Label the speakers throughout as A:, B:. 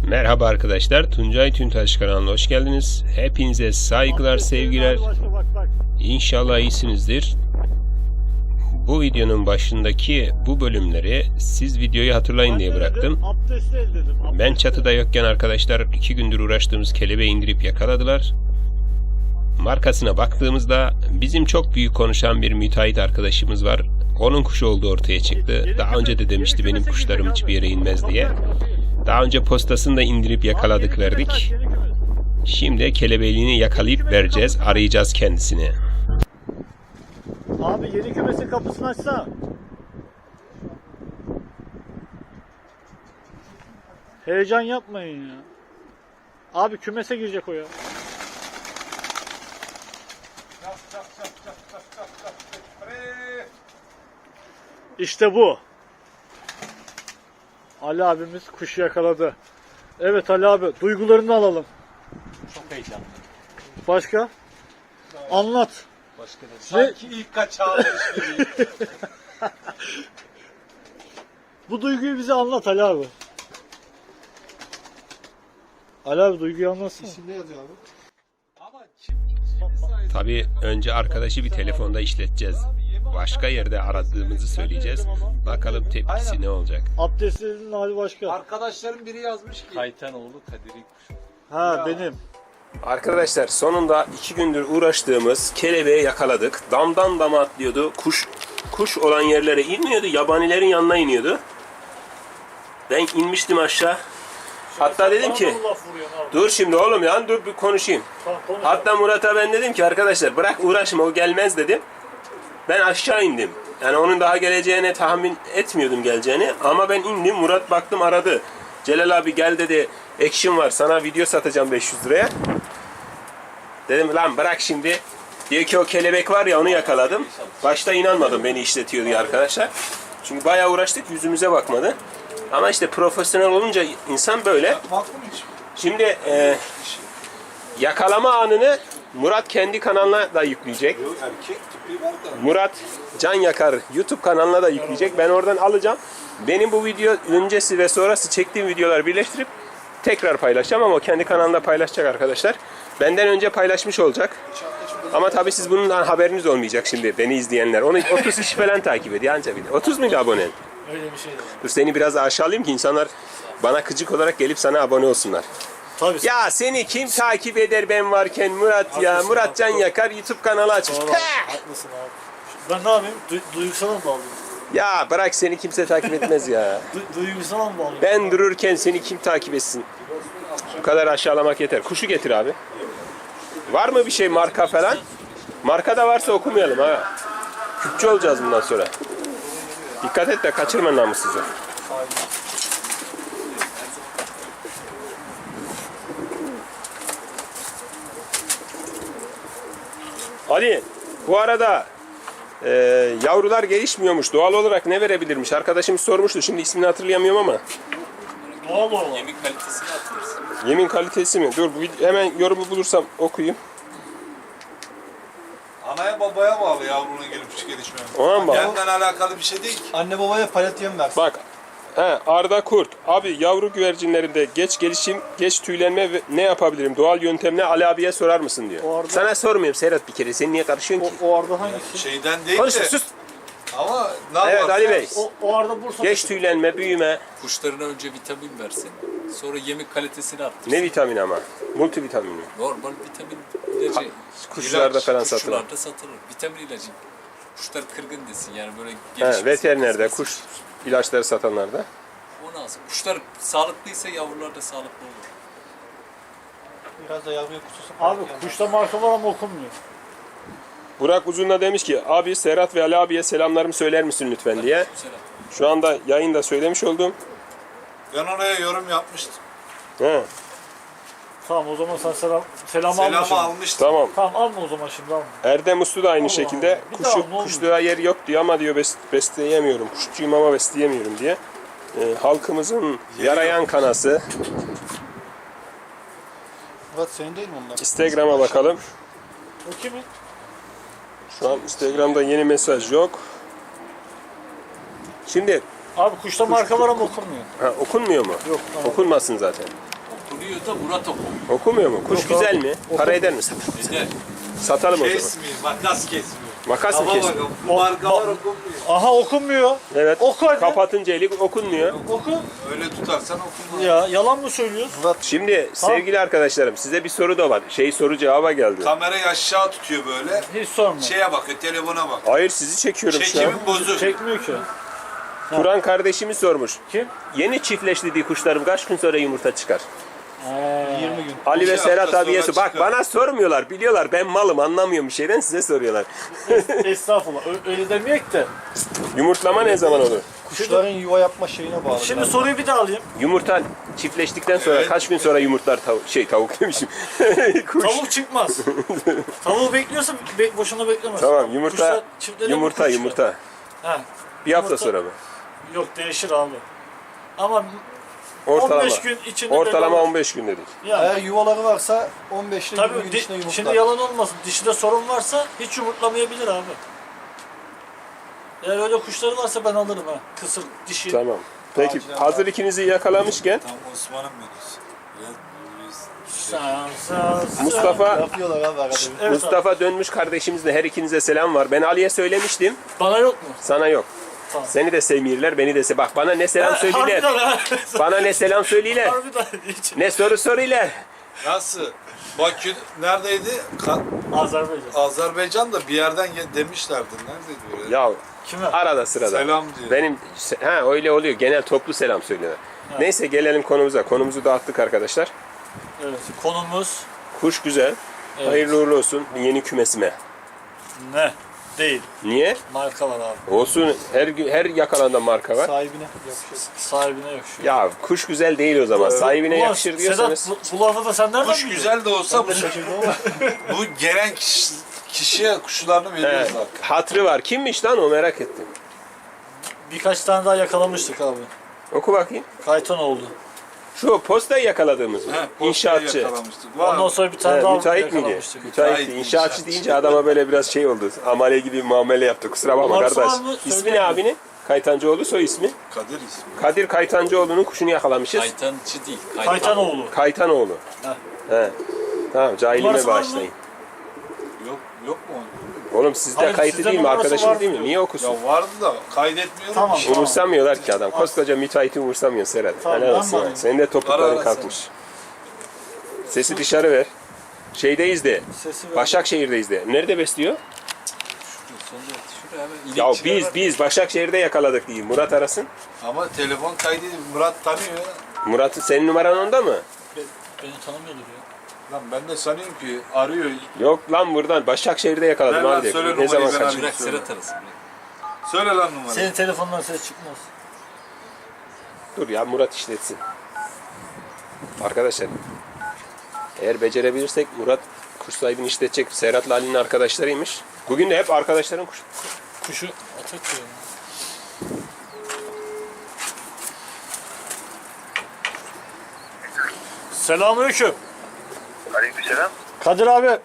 A: Merhaba arkadaşlar, Tuncay Tüntaş kanalına hoş geldiniz. Hepinize saygılar, sevgiler. İnşallah iyisinizdir. Bu videonun başındaki bu bölümleri siz videoyu hatırlayın diye bıraktım. Ben çatıda yokken arkadaşlar 2 gündür uğraştığımız kelebeği indirip yakaladılar. Markasına baktığımızda bizim çok büyük konuşan bir müteahhit arkadaşımız var. Onun kuşu olduğu ortaya çıktı. Daha önce de demişti benim kuşlarım hiçbir yere inmez diye. Daha önce postasını da indirip yakaladık, verdik. Şimdi kelebeğini yakalayıp vereceğiz. Arayacağız kendisini.
B: Abi yeni kümesin kapısını açsana. Heyecan yapmayın ya. Abi kümese girecek o ya. İşte bu. Ali abimiz kuşu yakaladı. Evet Ali abi, duygularını alalım.
C: Çok heyecanlı.
B: Başka? Anlat.
C: Başka da. Sanki ilk kaçağıymış gibi.
B: Bu duyguyu bize anlat Ali abi. Ali abi duyguyu anlatsana.
C: İsimde yazıyor abi. Ama
A: Tabii önce arkadaşı bir telefonda işleteceğiz. Başka yerde aradığımızı söyleyeceğiz. Bakalım tepkisi ne olacak.
B: Abdestlerin hali başka.
C: arkadaşların biri yazmış ki. Kaytanoğlu Kadir'in kuşu.
B: Ha benim.
A: Arkadaşlar sonunda 2 gündür uğraştığımız kelebeği yakaladık. Damdan dama atlıyordu. Kuş olan yerlere inmiyordu. Yabanilerin yanına iniyordu. Ben inmiştim aşağı. Hatta dedim ki dur şimdi oğlum ya, dur bir konuşayım. Hatta Murat'a ben dedim ki arkadaşlar bırak uğraşma, o gelmez dedim. Ben aşağı indim. Yani onun daha geleceğini tahmin etmiyordum, geleceğini. Ama ben indim. Murat baktım aradı. Celal abi gel dedi. Action var. Sana video satacağım 500 liraya. Dedim lan bırak şimdi. Diyor ki o kelebek var ya, onu yakaladım. Başta inanmadım beni işletiyor diye arkadaşlar. Çünkü bayağı uğraştık, yüzümüze bakmadı. Ama işte profesyonel olunca insan böyle. Şimdi yakalama anını Murat kendi kanalına da yükleyecek. Murat Can Yakar YouTube kanalına da yükleyecek. Ben oradan alacağım. Benim bu video öncesi ve sonrası çektiğim videoları birleştirip tekrar paylaşacağım, ama o kendi kanalında paylaşacak arkadaşlar. Benden önce paylaşmış olacak. Ama tabii siz bundan haberiniz olmayacak şimdi, beni izleyenler. Onu 30 kişi falan takip ediyor anca bile. 30 muydu abonen?
B: Öyle bir şey de.
A: Dur seni biraz aşağılayayım ki insanlar bana gıcık olarak gelip sana abone olsunlar.
B: Tabii.
A: Ya seni kim takip eder ben varken Murat ya?
B: Haklısın
A: Murat
B: abi.
A: Can Yakar YouTube kanalı açmış.
B: Doğru, haklısın abi. Ben ne yapayım? Duygusal mı bağlayayım?
A: Ya bırak, seni kimse takip etmez ya.
B: Duygusal mı bağlayayım?
A: Ben dururken seni kim takip etsin? Bu kadar aşağılamak yeter. Kuşu getir abi. Var mı bir şey, marka falan? Marka da varsa okumayalım ha. Küpçü olacağız bundan sonra. Dikkat et de kaçırma namussuzu. Ali, bu arada yavrular gelişmiyormuş. Doğal olarak ne verebilirmiş? Arkadaşımız sormuştu. Şimdi ismini hatırlayamıyorum ama.
B: Doğal olarak.
C: Yemin kalitesini atıyoruz.
A: Yemin kalitesi mi? Dur hemen yorumu bulursam okuyayım.
D: Anaya babaya bağlı yavrunun gelişmesi.
A: Ona mı bağlı?
D: Kendine alakalı bir şey değil ki.
C: Anne babaya palet yem versin.
A: Bak. Arda Kurt. Abi yavru güvercinlerinde geç gelişim, geç tüylenme ve ne yapabilirim? Doğal yöntemle Ali abiye sorar mısın diyor.
B: O arada-
A: Sana sormuyorum Serhat bir kere. Sen niye karışıyorsun ki?
B: O arada hangisi?
D: Şeyden değil
A: Konuşma
D: de.
A: sus.
D: Ama ne
A: Evet
D: yapalım?
A: Ali Bey.
B: O arada Bursa.
A: Geç tüylenme, büyüme.
E: Kuşlarına önce vitamin versin. Sonra yemek kalitesini arttırsın.
A: Ne vitamini ama? Multivitamin mi?
E: Normal vitamin ilacı.
A: Kuşlarda falan satılan.
E: Kuşlarda satılır. Vitamin ilacı. Kuşlar kırgın desin yani böyle gelişmesin.
A: Veterinerde, kuş ilaçları satanlarda.
E: O lazım. Kuşlar sağlıklıysa yavrular da sağlıklı olur.
C: Biraz da yavruya kutusu.
B: Abi kuşta marka var ama okunmuyor.
A: Burak Uzun'da demiş ki abi Serhat ve Ali abiye selamlarımı söyler misin lütfen diye.
E: Güzel.
A: Şu anda yayında söylemiş oldum.
D: Ben oraya yorum yapmıştım.
A: He,
B: Tamam o zaman sen selamı
D: Selamı
B: almışsın.
D: almıştım.
A: tamam.
B: Tamam alma o zaman şimdi alma.
A: Erdem Uslu da aynı
B: Allah
A: şekilde
B: Allah. Bir daha ne olmuş?
A: kuşluğa yer yok diyor ama diyor besleyemiyorum. Kuşçuyum ama besleyemiyorum diye. Halkımızın yarayan kanası.
C: Murat senin değil mi onlar?
A: Instagram'a bakalım.
B: O kimin?
A: Şu an Instagram'da yeni mesaj yok. Şimdi
B: Abi kuşta marka var ama okunmuyor.
A: okunmuyor mu?
B: Yok. Tamam.
A: Okunmasın zaten.
E: okumuyor da Murat okumuyor.
A: Okumuyor mu? Kuş
C: Yok
A: güzel
C: abi.
A: mi? Para eder mi satalım?
E: Eder.
A: Satalım o zaman.
D: Kesmiyor. Makas kesmiyor.
A: Makas mı
D: Ama
A: kesin?
D: bak markalar okunmuyor.
B: Aha okunmuyor.
A: Evet.
B: Oku hadi.
A: Kapatınca eli okunmuyor.
B: Oku.
D: Öyle tutarsan okunmaz.
B: Ya yalan mı söylüyorsun?
A: Şimdi sevgili arkadaşlarım size bir soru da var. Soru cevaba geldi.
D: Kamerayı aşağı tutuyor böyle.
B: Hiç sorma.
D: Şeye bakıyor, telefona bak.
A: Hayır sizi çekiyorum şu an.
D: Çekimin bozuk.
B: Çekmiyor ki.
A: Turan kardeşimiz sormuş.
B: Kim?
A: Yeni çiftleştirdiği kuşlarım kaç gün sonra yumurta çıkar?
C: 20 gün.
A: Ali ve
D: İki
A: Serhat
D: hafta
A: abiye
D: sonra
A: sor. Bak
D: çıkar.
A: bana sormuyorlar. Biliyorlar ben malım anlamıyorum bir şeyden size soruyorlar.
B: Estağfurullah. Öyle demeyek de.
A: Yumurtlama ne zaman olur?
C: Kuşların yuva yapma şeyine bağlı.
B: Şimdi soruyu bir daha alayım.
A: Yumurta çiftleştikten sonra
D: Evet.
A: kaç gün sonra yumurtlar tavuk demişim. Kuş.
B: Tavuk çıkmaz. Tavuğu bekliyorsa boşuna beklemez.
A: Tamam yumurta
B: Kuşlar çiftlenir mi
A: yumurta
B: kuşlar?
A: yumurta.
B: Ha.
A: Bir hafta
B: Yumurta-
A: sonra mı?
B: Yok değişir abi. Ama
A: Ortalama.
B: 15 gün içinde
A: Ortalama
B: belli olur.
A: 15 gün dedik.
B: Yani.
C: Eğer yuvaları varsa 15 ile 20
B: Tabii
C: gün içinde yumurtlar.
B: şimdi yalan olmasın. Dişide sorun varsa hiç yumurtlamayabilir abi. Eğer öyle kuşları varsa ben alırım ha. Kısır, dişi.
A: Tamam. Peki
C: Acilen
A: hazır ikinizi yakalamışken
D: Tam Osman'ın menüsü.
A: Mustafa
C: Yapıyorlar abi arada. bir.
B: Evet
A: Mustafa dönmüş kardeşimizle her ikinize selam var. Ben Ali'ye söylemiştim.
B: Bana yok mu?
A: Sana yok.
B: Tamam.
A: Seni de sevmiyorlar, beni de Bak bana ne selam söylüyorlar.
B: Harbiden ha.
A: Bana ne selam söylüyorlar.
B: Harbiden hiç.
A: Ne soru soruyorlar.
D: Nasıl? Bakü neredeydi?
B: Azerbaycan.
D: Azerbaycan'da bir yerden demişlerdi. Neredeydi öyle?
A: Ya
B: Kime?
A: arada sırada.
D: Selam diyor.
A: Benim öyle oluyor. Genel toplu selam söylüyorlar. Neyse gelelim konumuza. Konumuzu dağıttık arkadaşlar.
B: Evet. Konumuz
A: Kuş güzel.
B: Evet.
A: Hayırlı uğurlu olsun yeni kümesime.
B: ne? Değil.
A: Niye?
B: Marka var abi.
A: Olsun her yakalanda marka var.
C: Sahibine yakışır.
B: Sahibine yakışıyor.
A: Ya kuş güzel değil o zaman. Sahibine
B: Ulan
A: yakışır diyorsanız.
B: Sedat bu lafı da sen nereden
D: Kuş
B: biliyorsun?
D: güzel de olsa bu,
C: Şaşırdım ama.
D: bu gelen kişiye kuşlarını veriyor
A: He,
D: zaten.
A: hatırı var. Kimmiş lan o merak ettim.
B: Birkaç tane daha yakalamıştık abi.
A: Oku bakayım.
B: Kaytan oldu.
A: Şu postayı yakaladığımız mı?
D: He, postayı
A: İnşaatçı.
D: yakalamıştık. Var
B: Ondan
D: mı?
B: sonra bir tane
A: He,
B: daha
A: müteahhit miydi?
B: yakalamıştık.
A: Müteahhitti.
D: Müteahhit,
A: İnşaatçı
D: inşaatçı.
A: deyince adama böyle biraz şey oldu. Amele gibi muamele yaptı. Kusura bakma
B: Numarası
A: kardeş.
B: var mı?
A: İsmi
B: Söyle
A: ne
B: abi.
A: abinin? Kaytancıoğlu soy ismi.
D: Kadir ismi.
A: Kadir Kaytancıoğlu'nun kuşunu yakalamışız.
E: Kaytancı değil.
B: Kaytanoğlu.
A: Kaytanoğlu.
B: Heh.
A: He. Tamam cahilime
B: Numarası var mı?
A: bağışlayın.
D: Yok mu?
A: Oğlum sizde
B: Hayır,
A: kayıtlı
B: sizde
A: değil mi?
B: numarası
A: Arkadaşım
B: var
A: değil mi?
B: diyor.
A: Niye okusun?
D: Ya vardı da kaydetmiyorum.
B: Tamam.
D: ki.
A: Umursamıyorlar ki adam. Koskoca müteahhiti umursamıyor Serhat.
B: Tamam,
A: Helal
B: ben
A: olsun.
B: varım.
A: Senin de
D: Ara
A: topukların
D: ara
A: kalkmış. Sesi dışarı ver. Şeydeyiz de.
B: Sesi ver.
A: Başakşehir'deyiz de. Nerede besliyor?
E: Şuraya hemen
A: Ya
E: inekçiler var.
A: biz Başakşehir'de yakaladık diyeyim. Murat arasın.
D: Ama telefon kaydedip Murat tanıyor.
A: Murat senin numaran onda mı?
B: Beni tanımıyordur ya.
D: Lan ben de sanıyorum ki arıyor.
A: Yok lan buradan. Başakşehir'de yakaladım
D: Ver lan,
A: abi.
D: söyle
A: Ne
D: numarayı,
A: zaman
D: ben
A: kaçırdın?
E: Bırak Serhat arasın.
D: Söyle lan numarayı.
B: Senin telefondan ses çıkmaz.
A: Dur ya Murat işletsin. Arkadaşlar eğer becerebilirsek Murat kuş sahibini işletecek. Serhat'la Ali'nin arkadaşlarıymış. Bugün de hep arkadaşların kuş.
B: Kuşu atak diyorum. Selamünaleyküm.
F: Aleykümselam.
B: Kadir abi.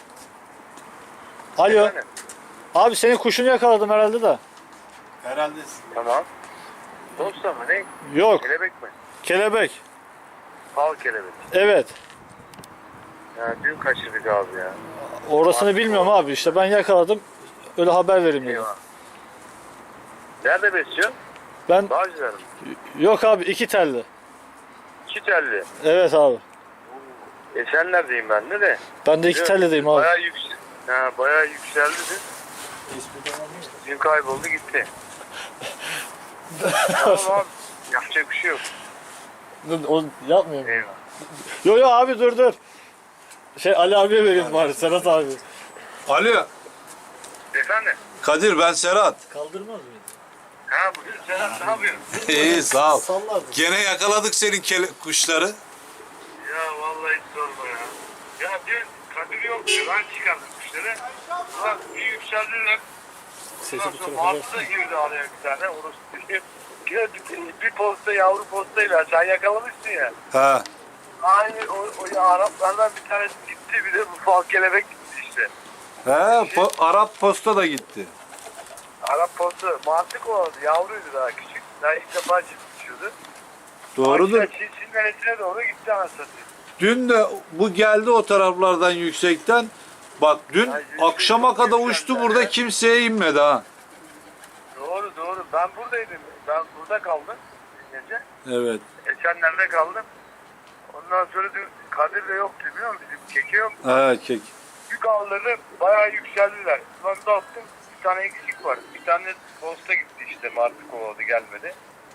B: Alo.
F: Efendim?
B: Abi senin kuşunu yakaladım herhalde de.
D: Herhalde
F: Tamam. Posta mı ne?
B: Yok.
F: Kelebek mi?
B: Kelebek.
F: Fal kelebek.
B: Evet.
F: Ya dün kaçırdık abi ya.
B: Orasını bilmiyorum abi. İşte ben yakaladım. Öyle haber vereyim dedim.
F: Eyvah. Nerede besliyor?
B: Ben
F: Bağcılar mı?
B: yok abi 2 telli.
F: İki telli.
B: Evet abi.
F: Sen neredeyim ben de?
B: Ben de 2 tellideyim abi.
F: Bayağı yükseldi dün. Dün kayboldu gitti. Tamam abi. Yapacak bir şey yok.
B: Dur, o yapmıyorum.
F: Eyvah.
B: Yo abi dur. Ali abiye vereyim bari Serhat abi.
D: Alo.
F: Efendim?
D: Kadir ben Serhat.
B: Kaldırmaz mıydı?
F: Ha bugün Serhat ne yapıyorsun?
D: İyi sağ ol.
B: Sallardı.
D: Gene yakaladık senin kuşları.
F: Ya vallahi hiç sorma ya. Ya dün Kadir yok diyor. Ben çıkardım kuşları. Ulan bir yükseldiler.
B: Sesi
F: Ondan
B: bu
F: sonra
B: tarafa
F: Martı girdi araya bir tane. Orası bir posta yavru postayla sen yakalamışsın ya.
D: Ha.
F: Aynı o Araplardan bir tanesi gitti bir de bu fal kelebek gitti işte.
D: He, Arap posta da gitti.
F: Arap posta Martı kovaladı yavruydu daha küçük. Daha ilk defa çıkmışıyordu.
D: Doğrudur.
F: Çin neresine doğru gitti anasını satayım.
D: dün de bu geldi o taraflardan yüksekten. Bak dün
F: Ay,
D: akşama kadar
F: çok
D: uçtu
F: güzel
D: burada
F: ya.
D: kimseye inmedi ha.
F: Doğru. Ben buradaydım. Ben burada kaldım gece.
D: Evet.
F: Geçenlerde kaldım. Ondan sonra dün Kadir de yoktu biliyor musun? Bizim keke yok.
D: Evet kek.
F: Yük ağları bayağı yükseldiler. Ben de attım. Bir tane eksik var. Bir tane posta gitti işte. Martı kovaladı gelmedi.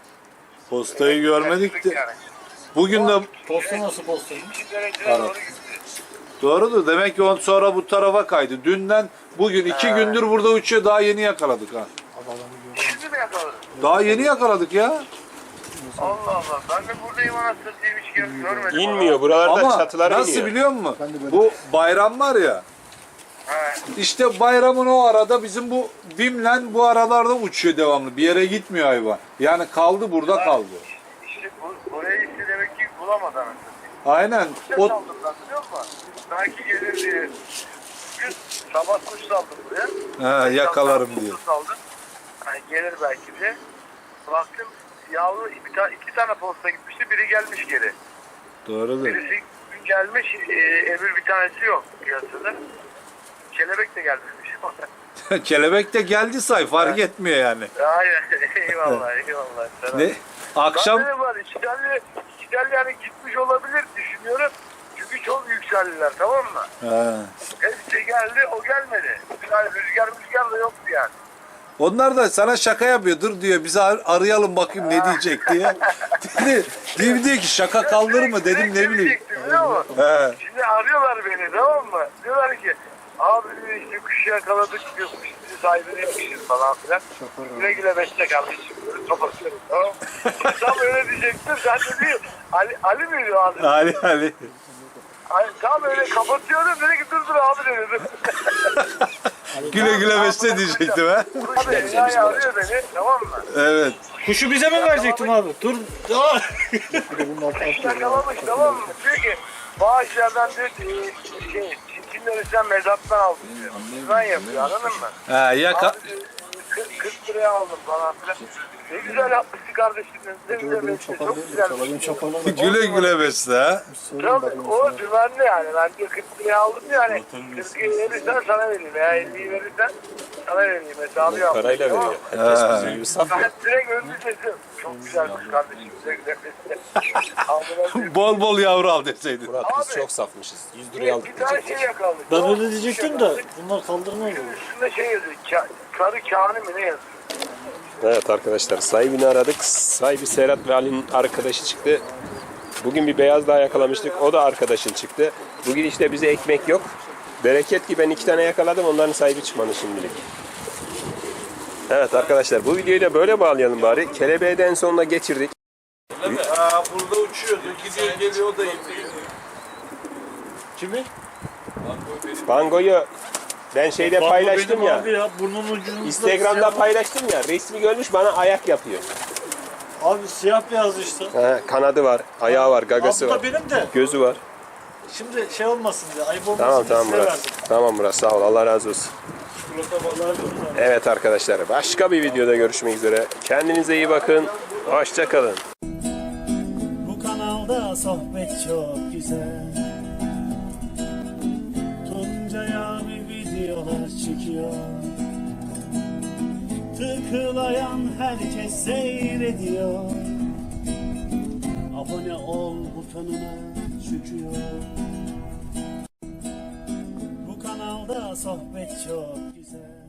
D: Postayı görmedik de.
F: Yani.
D: Bugün de
C: Posta nasıl posta?
F: 2 dereceye doğru gitti.
D: doğrudur. Demek ki on sonra bu tarafa kaydı. Dünden bugün 2 gündür burada uçuyor. Daha yeni yakaladık ha.
F: Şimdi mi yakaladın?
D: Daha yeni yakaladık ya.
F: Allah Allah. Ben de buradayım anasını satayım hiç görmedim.
A: İnmiyor. Buralarda
D: Ama
A: çatılar
D: nasıl
A: iniyor.
D: biliyor musun?
C: Ben de böyle.
D: Bu bayram var ya.
F: He.
D: İşte bayramın o arada bizim bu Bimlen bu aralarda uçuyor devamlı. Bir yere gitmiyor hayvan. Yani kaldı burada kaldı.
F: İşte burayı işte demek ki bulamadı anasını satayım.
D: Aynen.
F: Kuş
D: O
F: saldım ben biliyor musun? Belki gelir diye. Bugün sabah kuş saldım buraya.
D: yakalarım diye.
F: Kuş saldım. Hani gelir belki diye. Baktım yavru iki tane posta gitmişti. Biri gelmiş geri.
D: Doğrudur.
F: Birisi gün gelmiş. Öbür bir tanesi yok piyasada. Kelebek de gelmemiş.
D: Kelebek de geldi say fark etmiyor yani.
F: Aynen. Eyvallah. Sana.
D: Ne? Akşam
F: Ben de var. İçeride yani gitmiş olabilir düşünüyorum. Çünkü çok yükseldiler tamam mı? Hepsi geldi o gelmedi. Yani rüzgar da yoktu yani.
D: onlar da sana şaka yapıyor. Dur diyor bizi arayalım bakayım ne diyecek diye. diyor ki şaka kaldır mı dedim ne bileyim.
F: Diyecektim, biliyor musun?
D: He.
F: Şimdi arıyorlar beni tamam mı? Diyorlar ki abi işte kuşu yakaladık diyor. Kuş bizi sahibine yapmışız falan filan. Güle güle besle kardeşim. Böyle kapatıyorum tamam mı? Tam öyle diyecektim. Sen de değil. Ali miydi o adı?
D: Ali.
F: Tam öyle kapatıyorum. Dedi ki dur abi dedi.
D: Güle güle besle diyecektim ha.
F: Abi ya arıyor beni tamam mı?
D: Evet.
B: Kuşu bize mi verecektin abi? Dur. Aa!
F: Yakalamış tamam mı? Diyor ki bağışlardan diyor çinçinleri sen mezattan aldın diyor. Ben yapıyor anladın mı?
D: Ha,
F: Abi, 40 liraya aldım falan filan. Ne güzel yapmışsın kardeşim. Ne güzel besle. Çok güzel.
D: güle güle besle ha.
F: Tabii o dümenli yani. Ben diyor 40 liraya aldım yani. 40'ı verirsen sana vereyim. Veya 50'yi verirsen sana vereyim. Hesabı yap.
A: Parayla
F: Tamam mı?
A: veriyor. Herkes bizi gibi satmıyor.
F: Ben direkt önlü dedim. Çok güzel kuş kardeşim. Güzel güzel besle. Aldılar.
D: Bol bol yavru al deseydin.
A: Murat biz
F: Abi.
A: çok safmışız. 100 liraya aldık
F: Bir tane
A: diyecek.
F: şey yakaladık.
B: Ben
F: Tamam
B: öyle
F: mı?
B: diyecektim de bunlar kaldırmaz olur.
F: Üstünde şey yazıyor. Karı kâhını mı ne yazıyor?
A: Evet arkadaşlar sahibini aradık. Sahibi Serhat ve Ali'nin arkadaşı çıktı. Bugün bir beyaz daha yakalamıştık. O da arkadaşın çıktı. Bugün işte bize ekmek yok. Bereket ki ben 2 tane yakaladım. Onların sahibi çıkmadı şimdilik. Evet arkadaşlar bu videoyu da böyle bağlayalım bari. Kelebeği de en sonuna geçirdik.
D: Ha, burada uçuyordu. Gidiyor geliyor o da iniyor.
B: Kimi?
A: Bango'yu ben şeyde
B: Bango
A: paylaştım
B: benim
A: ya.
B: Abi ya burnun ucunda
A: Instagram'da
B: siyah-
A: paylaştım ya. Resmi görmüş bana ayak yapıyor.
B: Abi siyah beyaz işte.
A: He, kanadı var, ayağı var, gagası
B: Abi bu
A: var.
B: da benim de.
A: Gözü var.
B: Şimdi şey olmasın diye, ayıp olmasın
A: Tamam
B: diye size
A: Murat.
B: verdim.
A: Tamam Murat sağ ol. Allah razı olsun.
B: Çikolata balığı veriyorum.
A: Evet arkadaşlar başka bir videoda görüşmek üzere. Kendinize iyi bakın. Hoşça kalın.
G: Bu kanalda sohbet çok güzel. Tuncay abi videolar çekiyor. Tıklayan herkes seyrediyor. Abone ol butonuna çıkıyor. Bu kanalda sohbet çok güzel.